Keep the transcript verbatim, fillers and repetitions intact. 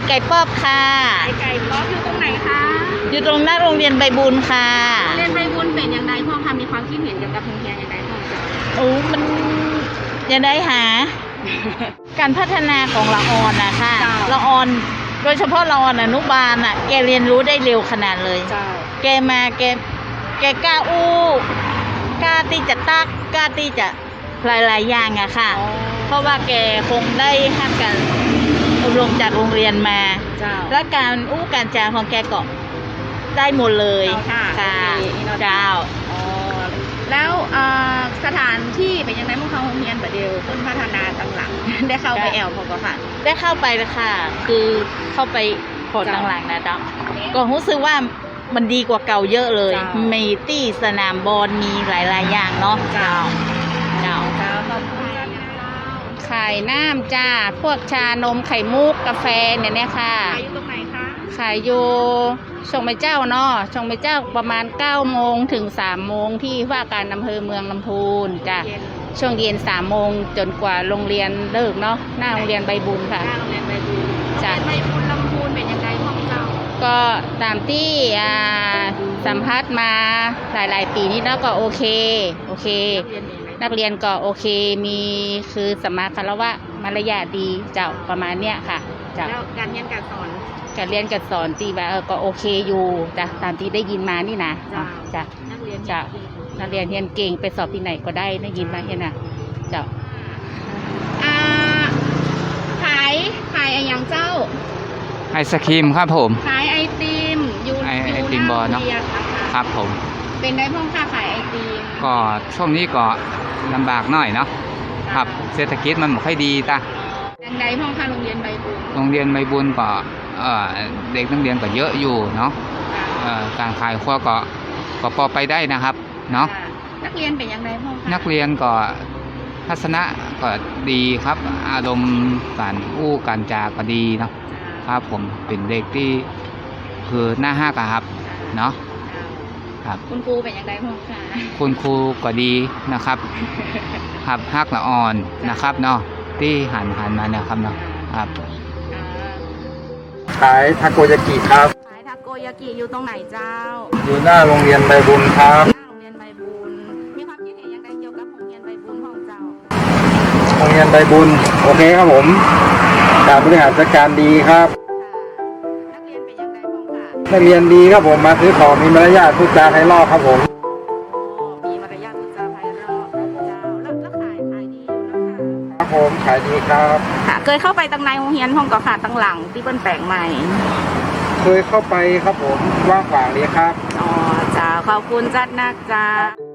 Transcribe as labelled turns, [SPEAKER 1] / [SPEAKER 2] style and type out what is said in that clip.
[SPEAKER 1] ไก่ป๊อบค่ะ
[SPEAKER 2] ขายไก่ป๊อบอยู่ตรงไหนคะ
[SPEAKER 1] อยู่ตรงหน้าโรงเรียนใบบุญค่ะ
[SPEAKER 2] โรงเรียนใบบุญเป็นอย่างไรพ่อคะมีความคิดเห็นเกี่ยวกับโรงเรียนอย่างไรพ่อจ๊ะ
[SPEAKER 1] โอ้มันยังได้หา การพัฒนาของละออนนะค่ะละออนโดยเฉพาะละออนอนุบาลอ่ะแกเรียนรู้ได้เร็วขนาดเลยแกมาแกแกกล้าอู้กล้าที่จะตักกล้าที่จะหลายๆอย่างอะค่ะเพราะว่าแกคงได้หัดกันอบรมจากโรงเรียนมาและการอู้การจาของแกก็ได้หมดเลยค่ะเจ้า
[SPEAKER 2] แล้วสถานที่เป็นยังไงพวกเขาโรงเรียนแบบเดียวต้นพัฒนาต่างหลังได้เข้าไปแอลพอก็ค่ะ
[SPEAKER 1] ได้เข้าไปเลยค่ะคือเข้าไปพอต่างหลังนะจ๊ะก็รู้สึกว่ามันดีกว่าเก่าเยอะเลยมีตี้สนามบอลมีหลายๆอย่างเนาะเจ้าเจ้า
[SPEAKER 2] ขายน้ำจ้าพวกชานมไข่มุกกาแฟเนี่ยเนี่ยค่ะขายอยู่ตรงไหนคะขายอยู่ชงไม่เจ้าเนาะชงไม่เจ้าประมาณเก้าโมงถึงสามโมงที่ว่าการอำเภอเมืองลำพูนจ้ะช่วงเย็นสามโมงจนกว่าโรงเรียนเลิกเนาะหน้าโรงเรียนใบบุญค่ะหน้าโรงเรียนใบบุญจ้ะใบบุญลำพูนเป็นยังไงพ่อเจ้าก็ตามที่สัมภาษณ์มาหลายๆปีนี้แล้วก็โอเคโอเคนักเรียนก็โอเคมีคือสมาคารวะมารยาทดีเจ้าประมาณเนี้ยค่ะเจ้าแล้วการเรียนการสอนการเรียนการสอนตีว่าเออก็โอเคอยู่จ้ะตามที่ได้ยินมานี่นะจ้ะนักเรียนจ้ะนักเรียนเรียนเก่งไปสอบที่ไหนก็ได้ได้ยินมาเห็นนะเจ้าอ่าขายขายอะไรอย่างเจ้า
[SPEAKER 3] ไอศครีมครับผม
[SPEAKER 2] ขายไอติมอยู่
[SPEAKER 3] ไอไอติมบอลเนาะครับผม
[SPEAKER 2] เป็นได้พ่อค้าขายไอติม
[SPEAKER 3] ก็ช่วงนี้ก็ลำบากหน่อยเนาะครับเศรษฐกิจมันไม่ค่อยดีตา
[SPEAKER 2] อย่างไรพ่อค้าโรงเรียนใบบุญ
[SPEAKER 3] โรงเรียนใบบุญก็เด็กนักเรียนก็เยอะอยู่เนาะการขายขั้วก็ก็พอไปได้นะครับเนาะ
[SPEAKER 2] นักเรียนเป็นอย่างไรพ่อค้า
[SPEAKER 3] นักเรียนก็ทัศนะก็ดีครับอารมณ์การอู้การจาก็ดีเนาะครับผมเป็นเด็กที่คือหน้าห้ากครับเนาะครับ
[SPEAKER 2] คุณครูเป็นอย่างไรพ่อคะ
[SPEAKER 3] คุณครูก็ดีนะครับครับฮักละอ่อนนะครับเนาะที่หันหันมาเนี่ยครับเนาะครับ
[SPEAKER 4] ขายทาโกยากิครับ
[SPEAKER 2] ขายทาโกยากิอยู่ตรงไหนเจ้า
[SPEAKER 4] อยู่หน้าโรงเรียนใบบุญครับ
[SPEAKER 2] หน้าโรงเรียนใบบุญมีความคิดเห็นอย่างไรเกี่ยวกับโรงเรียนใบบุญของเจ้า
[SPEAKER 4] โรงเรียนใบบุญโอเคครับผมการบริหารจัดการดีครับ
[SPEAKER 2] นักเรียนเป็นอย่างไรบ้างคะ
[SPEAKER 4] นักเรียนดีครับผมมาซื้อของมีมารยาทพูดจาไพเราะครับผม
[SPEAKER 2] มีมารยาทพูดจาไพเราะเจ้าแล้วแล้วขายขายดีอยู่นะคะ
[SPEAKER 4] ครับผมขายดีครับ
[SPEAKER 2] ค่ะเคยเข้าไปตั้งในโรงเรียนห้องก่อขาตั้งหลังที่เปิ้ลแปลงใหม่
[SPEAKER 4] เคยเข้าไปครับผมว่างขวางดีครับ
[SPEAKER 2] อ๋อจ้าขอบคุณจัดนักจ้า